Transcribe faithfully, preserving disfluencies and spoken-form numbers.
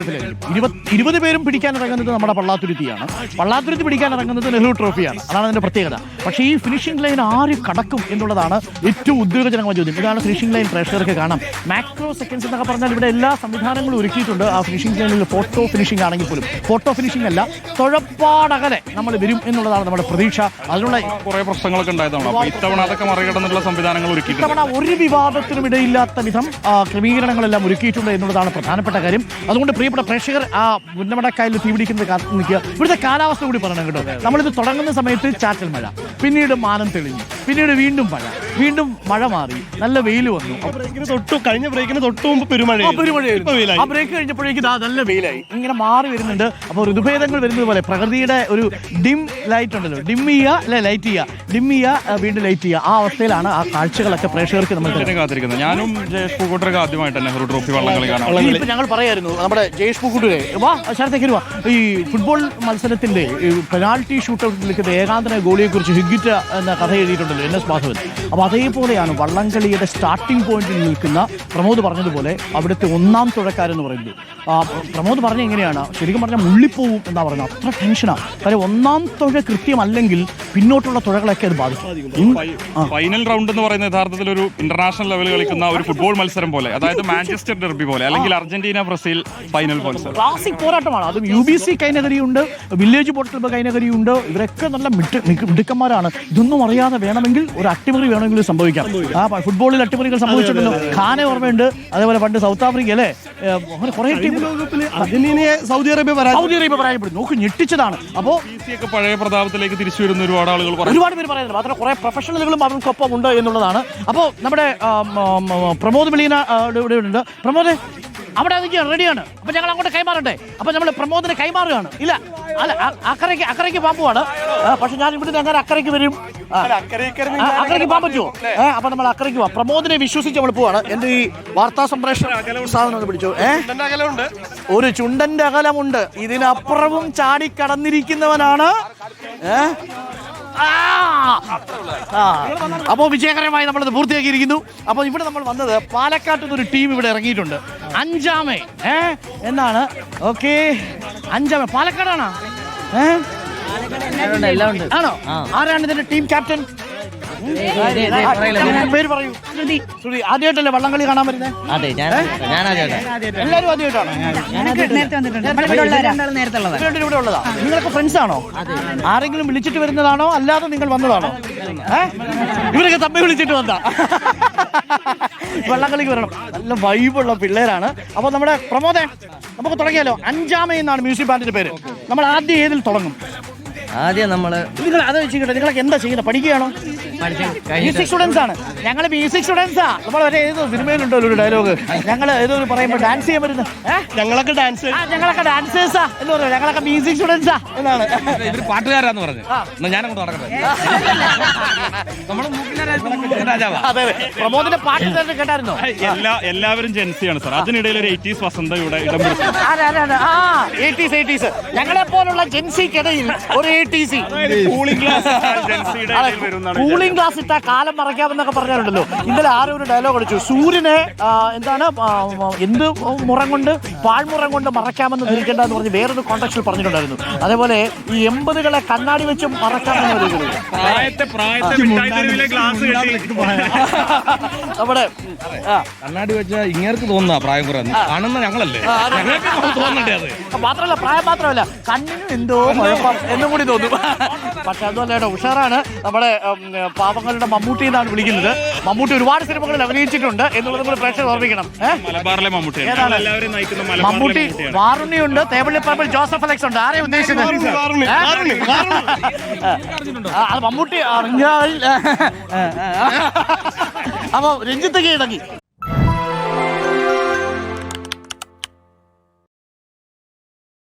ഇരുപത് പേരും പിടിക്കാൻ ഇറങ്ങുന്നത് നമ്മുടെ പള്ളാത്തുരുത്തിയാണ്. പള്ളാത്തുരുത്തി പിടിക്കാൻ ഇറങ്ങുന്നത് നെഹ്റു ട്രോഫിയാണ്. അതാണ് അതിന്റെ പ്രത്യേകത. പക്ഷേ ഈ ഫിനിഷിംഗ് ലൈൻ ആര് കടക്കും എന്നുള്ളതാണ് ഏറ്റവും ഉദ്യോഗജനകമായ ചോദ്യം. ഇതാണ് ഫിനിഷിംഗ് ലൈൻ പ്രേക്ഷകർക്ക് കാണാം. മാക്രോ സെക്കൻഡ്സ് എന്നൊക്കെ പറഞ്ഞാൽ ഇവിടെ എല്ലാ സംവിധാനങ്ങളും ഒരുക്കിയിട്ടുണ്ട്. ആ ഫിനിഷിംഗ് ലൈനിൽ ഫോട്ടോ ഫിനിഷിംഗ് ആണെങ്കിൽ പോലും ഫോട്ടോ ഫിനിഷിംഗ് അല്ല, തുഴപ്പാടകലെ നമ്മൾ വരും എന്നുള്ളതാണ് നമ്മുടെ പ്രതീക്ഷ. അതിനുള്ള കുറെ പ്രശ്നങ്ങളൊക്കെ ഉണ്ടായതാണ്. ഇത്തവണ അതൊക്കെ മറികടന്നുള്ള സംവിധാനങ്ങൾ ഒരുക്കിയിട്ടുണ്ട്. ഇത്തവണ ഒരു വിവാദത്തിനും ഇടയില്ലാത്ത വിധം ക്രമീകരണങ്ങളെല്ലാം ഒരുക്കിയിട്ടുണ്ട് എന്നുള്ളതാണ് പ്രധാനപ്പെട്ട കാര്യം. അതുകൊണ്ട് പ്രിയപ്പെട്ട പ്രേക്ഷകർ ആ ഉന്നമടക്കായലിൽ തീപിടിക്കുന്നത് കാത്തു നിൽക്കുക. ഇവിടുത്തെ കാലാവസ്ഥ കൂടി പറയണം കേട്ടോ. നമ്മളിത് തുടങ്ങുന്ന സമയത്ത് ചാറ്റൽ മഴ, പിന്നീട് മാനം തെളിഞ്ഞു, പിന്നീട് വീണ്ടും മഴ, വീണ്ടും മഴ മാറി, നല്ല വെയിൽ വന്നു. തൊട്ടു കഴിഞ്ഞ ബ്രേക്കിന് തൊട്ട് മുമ്പ് പെരുമഴ പെരുമഴയായിരുന്നു. ആ ബ്രേക്ക് കഴിഞ്ഞപ്പോഴേക്കും നല്ല വെയിലായി. ഇങ്ങനെ മാറി വരുന്നുണ്ട്. അപ്പോൾ ഋതുഭേദങ്ങൾ വരുന്നത് പോലെ പ്രകൃതിയുടെ ഒരു ഡിം ലൈറ്റ് ഉണ്ടല്ലോ, ഡിം ചെയ്യുക അല്ലെ ലൈറ്റ് ചെയ്യുക, ഡിം ചെയ്യുക വീണ്ടും ലൈറ്റ് ചെയ്യുക. ആ അവസ്ഥയിലാണ് ആ കാഴ്ചകളൊക്കെ പ്രേക്ഷകർക്ക് നമ്മൾ കാത്തിരിക്കുന്നത്. ഞാനും ജയേഷ് പൂക്കോട്ടൊക്കെ ആദ്യമായിട്ട് നെഹ്റു ട്രോഫി വള്ളംകളി കാണാം. ഇപ്പൊ ഞങ്ങൾ പറയായിരുന്നു നമ്മുടെ ജയേഷ് പൂക്കുട്ടിയെ വാ ശരത്തേക്ക് വാ, ഈ ഫുട്ബോൾ മത്സരത്തിന്റെ പെനാൽറ്റി ഷൂട്ടൗട്ടിൽ നിൽക്കുന്ന ഏകാന്തന ഗോളിയെ കുറിച്ച് ഹിഗിറ്റ എന്ന കഥ എഴുതിയിട്ടുണ്ടല്ലോ എൻ എസ് മാധവൻ. അപ്പോൾ അതേപോലെയാണ് വള്ളംകളിയുടെ സ്റ്റാർട്ടിംഗ് പോയിന്റിൽ നിൽക്കുന്ന പ്രമോദ് പറഞ്ഞതുപോലെ അവിടുത്തെ ഒന്നാം തുഴക്കാരെന്ന് പറയുന്നത്. പ്രമോദ് പറഞ്ഞ എങ്ങനെയാണ്, ശരിക്കും പറഞ്ഞാൽ മുള്ളിപ്പോവും എന്നാ പറഞ്ഞത്. അത്ര ടെൻഷനാണ്. കാര്യം ഒന്നാം തുഴ കൃത്യമല്ലെങ്കിൽ പിന്നോട്ടുള്ള തുഴകളൊക്കെ അത് ബാധിക്കും. ഫൈനൽ റൗണ്ട് എന്ന് പറയുന്നത് യഥാർത്ഥത്തിൽ ഒരു ഇന്റർനാഷണൽ ലെവൽ കളിക്കുന്ന ഒരു ഫുട്ബോൾ മത്സരം പോലെ, അതായത് മാഞ്ചസ്റ്റർ ഡെർബി പോലെ, അല്ലെങ്കിൽ അർജന്റീന ബ്രസീൽ ഫൈനൽ മത്സരം. ക്ലാസിക് പോരാട്ടമാണ്. അതും യു ബി സി കൈനകരിയുണ്ട്, വില്ലേജ് ബോട്ട് ക്ലബ്ബ് കൈനകരിയുണ്ട്. ഇവരൊക്കെ നല്ല മിടുക്കന്മാരാണ്. ഇതൊന്നും അറിയാതെ വേണമെങ്കിൽ ഒരു അട്ടിമറി വേണമെങ്കിൽ സംഭവിക്കാം. ആ ഫുട്ബോളിൽ അട്ടിമറികൾ സംഭവിച്ചിട്ടുണ്ടല്ലോ. ഖാനെ ഓർമ്മയുണ്ട്. അതേപോലെ പണ്ട് സൗത്ത് ആഫ്രിക്ക അല്ലേ, അങ്ങനെ കുറെ ടീം അർജന്റീനയെ സൗദി അറേബ്യ സൗദി അറേബ്യ പരാജയപ്പെടും. നോക്ക് ഞെട്ടിച്ചതാണ്. അപ്പോൾ പഴയ പ്രതാപത്തിലേക്ക് തിരിച്ചു വരുന്ന ഒരുപാട് ആളുകൾ ഒരുപാട് പേര് പറയുന്നത് മാത്രം കുറെ പ്രൊഫഷണലുകളും അവർക്കൊപ്പം ഉണ്ട് എന്നുള്ളതാണ്. അപ്പോൾ നമ്മുടെ പ്രമോദ് വെളീന ഇവിടെ ഉണ്ട്. പ്രമോദ് അവിടെ അതൊക്കെ റെഡിയാണ്. അപ്പൊ ഞങ്ങൾ അങ്ങോട്ട് കൈമാറട്ടെ. അപ്പൊ നമ്മൾ പ്രമോദിനെ കൈമാറുകയാണ്. ഇല്ല അല്ല, അക്കരയ്ക്ക് അക്കരയ്ക്ക് പാമ്പുവാണ്. പക്ഷെ ഞാൻ ഇവിടുന്ന് അങ്ങനെ അക്കരയ്ക്ക് വരും. അക്കരയ്ക്ക് പോകാൻ പറ്റുമോ? ഏഹ് അപ്പൊ നമ്മൾ അക്കരയ്ക്ക് പോവാം. പ്രമോദിനെ വിശ്വസിച്ച് നമ്മൾ പോവാണ്. എന്റെ ഈ വാർത്താ സംപ്രേഷണ സാധനം ഒന്ന് പിടിച്ചു. ഏഹ് ഒരു ചുണ്ടന്റെ അകലമുണ്ട്. ഇതിനപ്പുറവും ചാടിക്കടന്നിരിക്കുന്നവനാണ്. ഏഹ് അപ്പോൾ വിജയകരമായി നമ്മളത് പൂർത്തിയാക്കിയിരിക്കുന്നു. അപ്പോൾ ഇവിടെ നമ്മൾ വന്നത് പാലക്കാട്ട് നിന്ന് ഒരു ടീം ഇവിടെ ഇറങ്ങിയിട്ടുണ്ട്. അഞ്ചാമേ ഏ എന്നാണ്. ഓക്കെ, അഞ്ചാമേ പാലക്കാടാണോ? ഏഹ് ആണോ? ആരാണ് ഇതിന്റെ ടീം ക്യാപ്റ്റൻ? പേര് പറയൂ. ശ്രുതി. ആദ്യമായിട്ടല്ലേ വള്ളംകളി കാണാൻ വരുന്നത്? എല്ലാവരും ആദ്യമായിട്ടാണ്. ഇവിടെ ഉള്ളതാ. നിങ്ങളൊക്കെ ഫ്രണ്ട്സ് ആണോ? ആരെങ്കിലും വിളിച്ചിട്ട് വരുന്നതാണോ അല്ലാതെ നിങ്ങൾ വന്നതാണോ? ഇവരൊക്കെ തമ്മിൽ വിളിച്ചിട്ട് വന്നാ വള്ളംകളിക്ക് വരണം. നല്ല വൈബുള്ള പിള്ളേരാണ്. അപ്പൊ നമ്മുടെ പ്രമോദേ നമുക്ക് തുടങ്ങിയാലോ? അഞ്ചാമേ എന്നാണ് മ്യൂസിക് ബാൻഡിന്റെ പേര്. നമ്മൾ ആദ്യം ഏതിൽ തുടങ്ങും? ആദ്യം നമ്മള് നിങ്ങൾ അത് വെച്ചിട്ട് നിങ്ങളൊക്കെ എന്താ ചെയ്യുന്നത്? പഠിക്കുകയാണോ? മ്യൂസിക് സ്റ്റുഡൻസ് ആണ്. ഞങ്ങള് മ്യൂസിക് സ്റ്റുഡൻസാ. നമ്മൾ വരെ ഏതോ സിനിമയിലുണ്ടോ ഒരു ഡയലോഗ്, ഞങ്ങള് ഏതോ പറയുമ്പോൾ ഡാൻസ് ചെയ്യാൻ വരുന്നത്. ഞങ്ങളൊക്കെ ഡാൻസ് ഞങ്ങളൊക്കെ ഡാൻസേഴ്സാ എന്ന് പറയുന്നത്. ഞങ്ങളൊക്കെ മ്യൂസിക് സ്റ്റുഡൻസാ എന്നാണ്. ഇവര് പാട്ടുകാരാന്ന് പറഞ്ഞു. ഞാനങ്ങോട്ട് നടക്കട്ടെ. അതെ, പ്രമോദിന്റെ പാട്ട് കേട്ടായിരുന്നോ? എല്ലാ എല്ലാവരും ജെൻസിയാണ് സാർ. അതിനിടയിൽ ഒരു എയ്റ്റീസ് വസന്ത ഇവിടെ ഇടം പിടിച്ചു. ഞങ്ങളെ പോലുള്ള ജെൻസിക്കിടയിൽ ഒരു കൂളിംഗ് ഗ്ലാസ് ഇട്ട കാലം മറയ്ക്കാമെന്നൊക്കെ പറഞ്ഞാലുണ്ടല്ലോ. ഇന്നലെ ആരോ ഒരു ഡയലോഗ് അടിച്ചു, സൂര്യനെ എന്താണ് എന്ത് മുറം കൊണ്ട് പാഴ്മുറം കൊണ്ട് മറയ്ക്കാമെന്ന് ധരിക്കേണ്ട എന്ന് പറഞ്ഞ് വേറൊരു കോണ്ടക്സ്റ്റിൽ പറഞ്ഞിട്ടുണ്ടായിരുന്നു. അതേപോലെ ഈ എൺപതുകളെ കണ്ണാടി വെച്ച് മറക്കാമെന്ന് പറയുന്നത് നമ്മുടെ കണ്ണാടി വെച്ചാൽ ഇങ്ങേർക്ക് തോന്നുന്ന പ്രായം കുറയുന്നു കാണുന്ന ഞങ്ങളല്ലേ. മാത്രമല്ല പ്രായം മാത്രമല്ല കണ്ണിനും എന്തോ കുഴപ്പം എന്നും കൂടി തോന്നും. പക്ഷെ അതുപോലെ ഉഷാറാണ്. നമ്മുടെ പാവങ്ങളുടെ മമ്മൂട്ടി എന്നാണ് വിളിക്കുന്നത്. മമ്മൂട്ടി ഒരുപാട് സിനിമകളിൽ അഭിനയിച്ചിട്ടുണ്ട് എന്നുള്ളത് നമ്മൾ പ്രേക്ഷകർ ഓർമ്മിക്കണം. മമ്മൂട്ടി വാറുണ്ണിയുണ്ട്, തേവള്ളിപ്പറമ്പിൽ ജോസഫ് അലക്സ് ഉണ്ട്. ആരെയും ഉദ്ദേശിച്ചത് മമ്മൂട്ടി. അപ്പൊ രഞ്ജിത്ത് കീഴടങ്ങി.